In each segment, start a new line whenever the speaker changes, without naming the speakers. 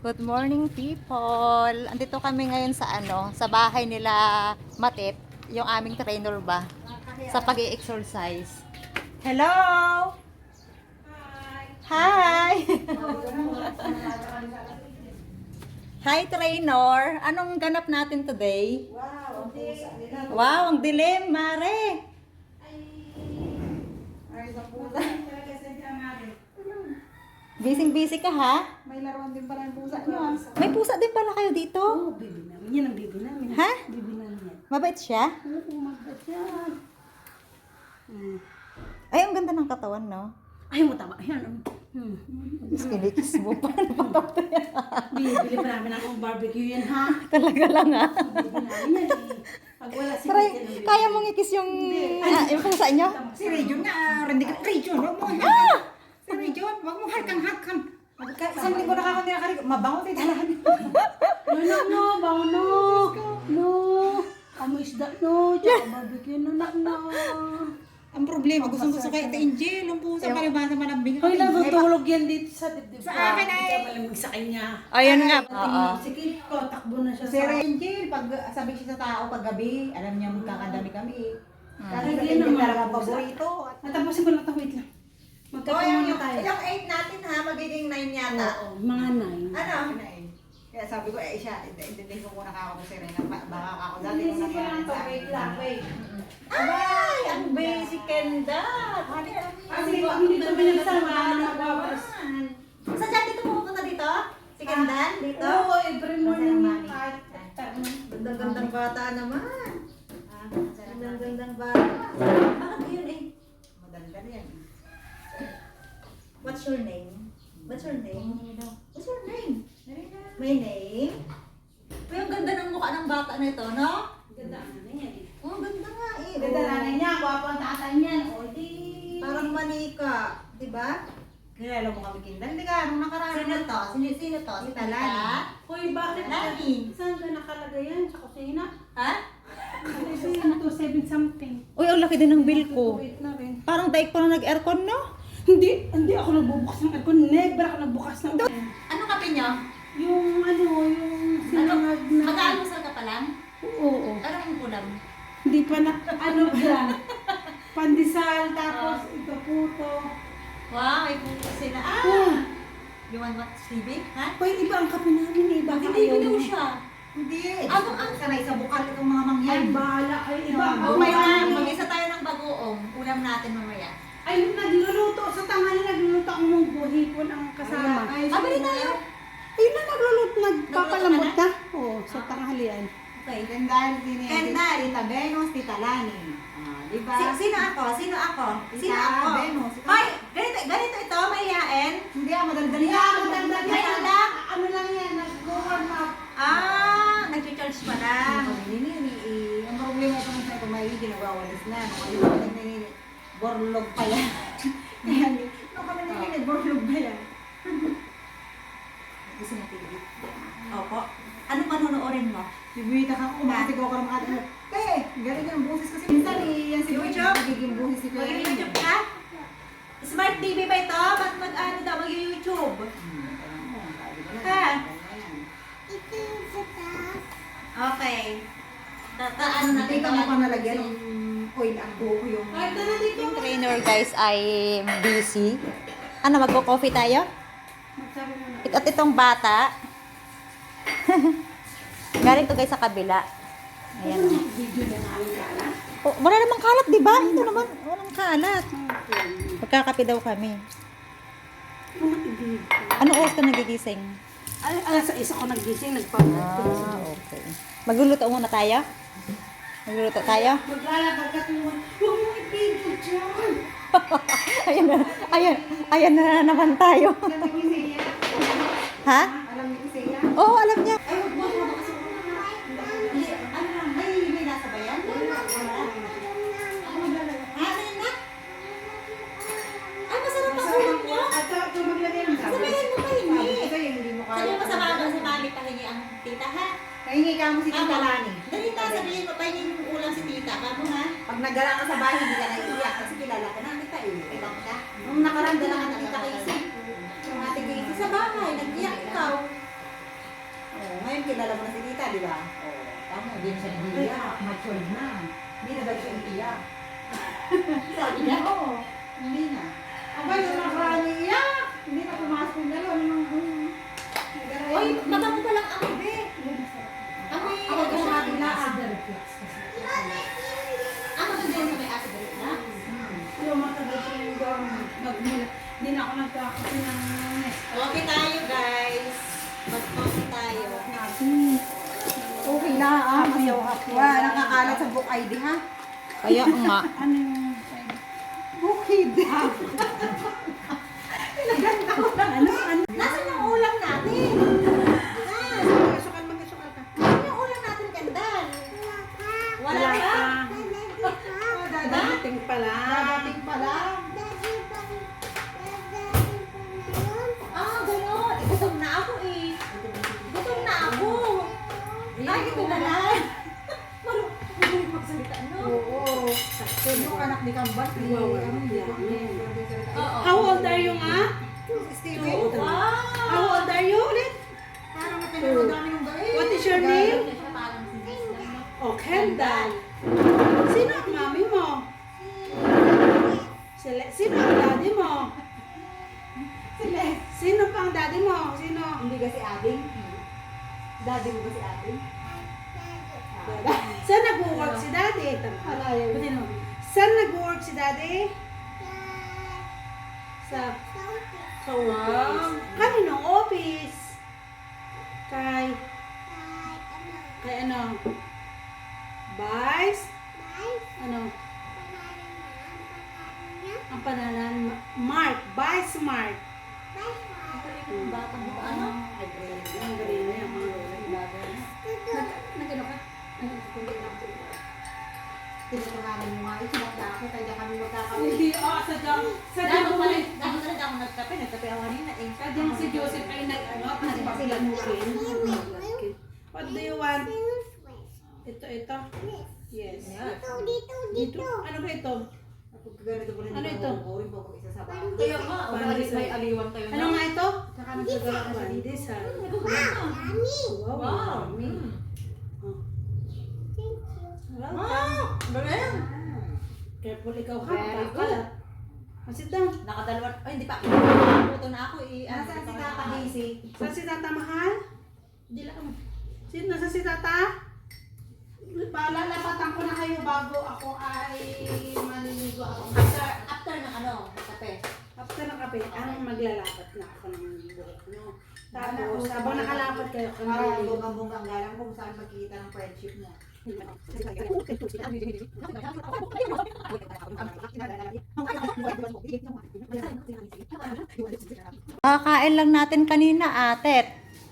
Good morning, people. Andito kami ngayon sa sa bahay nila Matit, yung aming trainer ba sa pag-i-exercise. Hello. Hi. Hi, trainer. Anong ganap natin today? Wow, ang dilim, Mare. Busy ka ha?
May laruan din pala ng pusa niyo.
May pusa din pala kayo dito?
Oo, bibi namin. Yan ang bibi namin.
Ha?
Bibi namin yan.
Mabait siya?
Oo, magbat yan.
Ay, ang ganda ng katawan, no?
Ay, mo tama. Ayan.
Kinikis mo pa.
Bibili pa namin akong barbecue yan, ha?
Talaga lang, ha?
Bibi namin yan, eh. Pag wala si
Try,
Christian, bibi.
kaya mong ikis yung, yung pusa niyo?
Si Region na, Region, huwag mo Si Region, huwag mo harkang-harkang. Isang linggo na ako nilakarig, mabango tayo talahan.
No, bawo no. No. Amoy isda, no. Tsaka barbecue, no, no.
Ang problema, gusto kay Ate Angel, ang pusa palibasa malambing.
Hoy, natutulog yan dito sa dibdib.
Sa akin ay.
Hindi ka malamig sa kanya.
Ayun nga. Oo.
Sige ko, takbo na siya
Si
sa...
Angel, pag sabi siya sa tao pag gabi, alam niya magkakadami kami. Kasi
Hindi
sa Angel
naman.
talaga ang paborito.
Natapusin ko na ito, wait lang. Magkakaroon muna tayo.
Ilang 8 natin ha, magiging 9 yata.
Oo, mga 9.
Ano?
Kaya sabi ko, siya, intindihin ko muna ako si Serena, baka ako dati
Hindi
nung
ko lang
nangyari
to,
sa
wait
akin.
lang, wait.
Ay, ang basic and that.
Kasi pag hindi ito binilisan, wala na magbawas.
Sa dyan dito pupunta dito? Si Kendan? Dito?
Oo, every morning
Mami.
kahit
Gandang-gandang bata naman.
Ah,
Gandang-gandang bata. Bakit yun eh?
Maganda yan.
What's your name? What's your name? What's your name? My name? Uy, ang ganda ng mukha ng bata na ito, no?
Ganda ang ano yan eh.
Oh, ang ganda nga eh.
Ganda
Oh.
nanay niya, gwapo ang tatay niyan. O di...
Parang manika, di ba?
Kilala mo kami Kindan, hindi ka, nung nakaraan.
Sino to? Sino to? Si
Talani.
Hoy, bakit?
Lani.
Saan ka nakalagay yan? Sa kusina?
Ha?
Kasi yan to, 7 something.
Uy, ang laki din ng bill ko.
Wait na rin.
Parang daig pa na nag-aircon, no?
Hindi ako nagbubukas ng aircon. Never ako nagbukas ng aircon.
Ano kape nyo?
Yung sinangag na...
Mag-aalmusal ka pa lang?
Oo.
Anong ulam?
Hindi pa na, ano yan? Pandesal, tapos ito puto.
Wow, may puto sila.
Ah!
You want what, Stevie? Ha?
Hoy, iba ang kape namin eh. Baka
Hindi,
ayaw
binaw
mo.
siya.
Hindi.
Ang
Sanay sa bukal itong mga mangyan.
Ay, bahala kayo. Iba ang
Oh my
buhay.
God, mag-isa tayo ng bagoong. Ulam natin mamaya.
Ay, nagluluto. Sa tanghali nagluluto ang mong buhipon ang kasama.
Bali tayo.
Ayun na, nagluluto. Nagpapalambot na. Oo, sa tanghalian.
Okay.
Kendall,
Kendall.
Tita Venus, Tita Lani. Diba?
Sino ako? Sino ako? Sino
Ikaw,
ako?
Venus.
Hoy, ganito ito, mahihain.
Hindi madaldali
Kaya,
yan.
madagdag
May
yan.
ulam?
Ano lang yan, nag-warm up.
Nag-charge pa lang.
Ang problema ko nung sa kumain, ginawawalis na. Ayun, borlog pa yan. Kaya, nung kami nilinig, borlog pa yan.
Gusto mo tigit? Opo. Ano panonoorin mo?
Bibita ka kung kumati ko ng mga galing yung boses kasi minsan yan si
YouTube?
Nagiging boses si Kuya.
Mag-YouTube ka? Smart TV ba ito? Ba't mag-ano daw? Mag-YouTube? Ha? Okay. Ano na
Nakita mo pa nalagyan ng oil ang buko yung...
Ay, tara dito.
Yung trainer guys ay busy. Ano, magko-coffee tayo?
Magsabi mo na.
At itong bata. Galing to guys sa kabila. Ayan.
Video na namin kala.
Oh, wala namang kalat, di ba? Ito naman, walang kalat. Magkakape daw kami.
Mga video.
Anong oras ka nagigising?
Ay, alas 6 ako nagising, nagpapalito.
Okay. Magluluto muna tayo? Magluluto tayo?
Maglalabag ka tuwan. Huwag mo i-video dyan.
Ayan na naman tayo.
Alam ni Isaiah?
Ha?
Alam ni Isaiah?
Oo, alam niya.
Ay, huwag mo ako kasi
Ano lang, may nasa bayan? Ay, masarap ang ulam niyo.
At ito maglagay ng sabi.
Sabihin mo pahingi.
Ito yung hindi mo
Sabihin mo
kaya.
sa mama, si mami pahingi ang tita, ha?
Nahingi ka mo si Tita Lani.
Dalita, sabihin mo pahingi yung ulam si tita. Kamo, ha?
Pag nagala ka sa bahay, hindi ka naiiyak kasi kilala ka na kita eh. Ibang ka. Nung nakaraan, dala ka na kita kay Isi.
Yung ate Casey sa bahay, nag-iyak ikaw.
Ngayon kilala mo na si tita, di ba? Oo. Tama, hindi na siya nagiiyak. Matured na. Hindi na ba siya iiyak? Sabi niya, oo. Hindi na.
Aba, yung nakaraan niya.
Hindi na pumasok yung dalawa.
Oy, mabango pa lang amoy, be. Amoy,
Ako
ano
sa
siya?
kabila.
Ano ba din sa may acid reflux?
Yung matagal ko yung nagmula. Hindi na ako nagkakape ng nest.
Okay tayo, guys. Mag-coffee tayo.
Okay na, Wala, nakakalat sa book ID, ha?
Kaya nga.
Ano yung
Bukid.
Nasaan yung ulam natin?
Magasukal, magasukal ka.
Nasaan yung ulam natin, Kendall? Wala pa.
Dadating pa lang. Dadating pa lang.
Ah, gano'n. Gutom na ako eh. Gutom na ako. Ay, ito na lang. Marunong magsalita, no?
Oo. Yung anak ni Kambat,
How old are you nga?
Steven.
How old are you ulit?
Parang napinanood namin yung gawin.
What is your name? Oh, Kendall. Sino ang mami mo? Sino ang daddy mo? Sino pa ang daddy mo? Sino?
Hindi ka si Ading? Daddy mo ba si Ading?
Saan nag-work si daddy? Pati no. Saan nag-work si daddy? Sa kaninong office? Kay ano? Vice? Ano? Ang panalan? Mark. Vice Mark.
Batang ba ano?
Ang galing niya. Nag-ano ka?
Tinuturanan mo nga, isinagda ako, kaya kami magkakawin.
Hindi, sadyang
Dapat pala ako nagkape ako kanina eh.
Sadyang si Joseph ay nag-ano, nagpaplanukin. What do you want? Ito. Yes. Dito. Ano ba ito?
Kapag ganito ko rin
Ano ito?
Rin po pag isa sa bahay.
Kaya nga, may aliwan tayo na.
Ano nga ito?
Saka nagdadala ka siya dito.
Pandesal.
Wow.
Wow.
Wow. Galing.
Careful ikaw ha.
Very
Kakalat. Sit down.
Nakadalawa. Ay, hindi pa. Puto na ako eh.
Nasaan si Tata Daisy?
Saan si Tata Mahal?
Hindi lang.
Sino nasa si Tata? Palalapatan ko na kayo bago ako ay maliligo ako.
After ng ano, kape.
After ng kape, ang maglalapat na ako ng buhok. No? Tapos, habang nakalapat kayo,
Parang bonggang-bonggang galang kung saan magkikita ng friendship mo.
Kakain lang natin kanina, atet.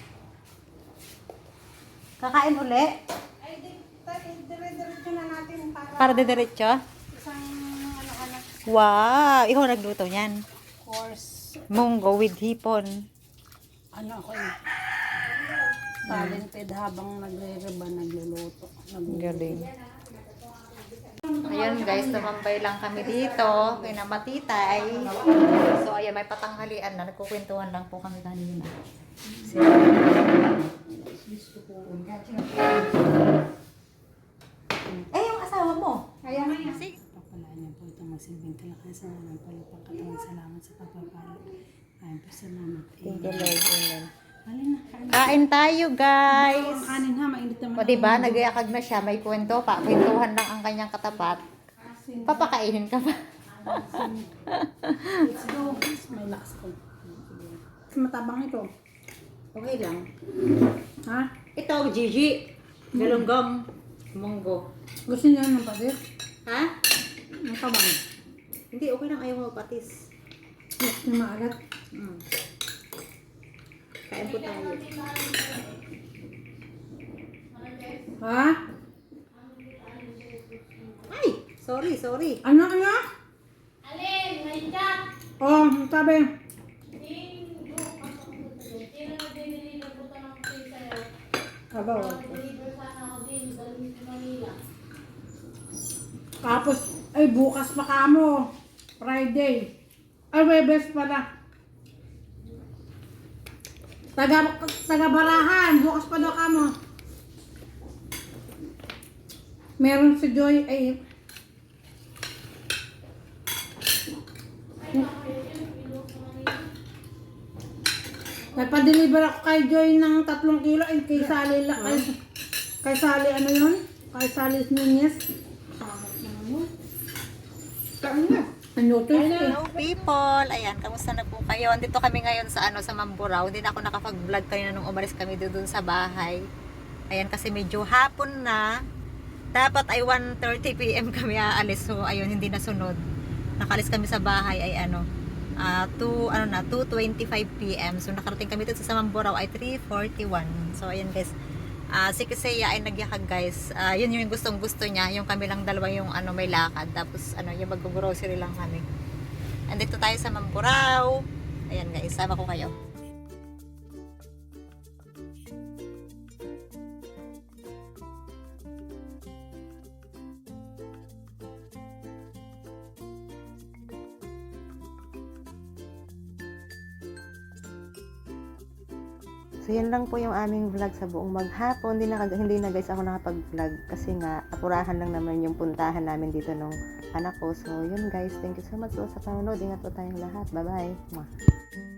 Kakain uli?
ay, dire-diretso na natin
Para diretso?
isang anak-anak
Wow! Ikaw nagluto niyan.
course.
Munggo with hipon.
Ano ako eh. Talented habang nagre-reba, nagluluto.
Galing. Ayun guys, tumambay lang kami dito. Kina Matitay. So ayan, may patanghalian na. Nagkukwentuhan lang po kami kanina. Eh, yung asawa mo?
Kaya nga yan.
Pagpalaan niyo po itong magsilbing kalakasan ng palupang katawan. Salamat sa pagpapala. Ayun po, salamat.
Thank you, Lord. Amen.
Halin na, kain.
Kain tayo, guys.
Ang kanin ha, mainit naman.
O diba, nag-iakag na siya, may kwento pa. Kwentuhan lang ang kanyang katapat. Papakainin ka pa.
Let's go. May lakas ko. Matabang ito.
Okay lang.
Ha?
Ito, Gigi. Galunggong. Munggo.
Gusto niyo ng pader?
Ha?
Ang tabang.
Hindi, okay lang. Ayaw mo patis.
Gusto niyo maalat?
Kain po tayo.
Ha?
Ay! Sorry.
Ano? Alin, may chat. Oh, sabi. Aba, tapos, ay bukas pa kamo. Friday. Ay, Webes pala. Taga-barahan. Bukas pa daw ka mo. Meron si Joy ay nagpa-deliver ako kay Joy ng 3 kilo ay kay Sally kay Sally ano yun? Kay Sally Nunez. Ano to?
Hello people! Ayan, kamusta na po kayo? Andito kami ngayon sa sa Mamburao. Hindi na ako nakapag-vlog kayo nung umalis kami doon sa bahay. Ayan, kasi medyo hapon na. Dapat ay 1:30 PM kami aalis. So, ayun, hindi nasunod. Nakalis kami sa bahay ay 2:25 PM. So, nakarating kami dito sa Mamburao ay 3:41. So, ayan guys. Si Kisaya ay nagyakag guys. Yun yung gustong gusto niya. Yung kami lang dalawa yung may lakad. Tapos yung mag-grocery lang kami. Andito tayo sa Mamburao. Ayan guys, sama ko kayo. So, yan lang po yung aming vlog sa buong maghapon. Hindi na guys ako nakapag-vlog kasi nga, apurahan lang naman yung puntahan namin dito nung anak ko. So, yun guys. Thank you so much po sa panonood. Ingat po tayong lahat. Bye-bye.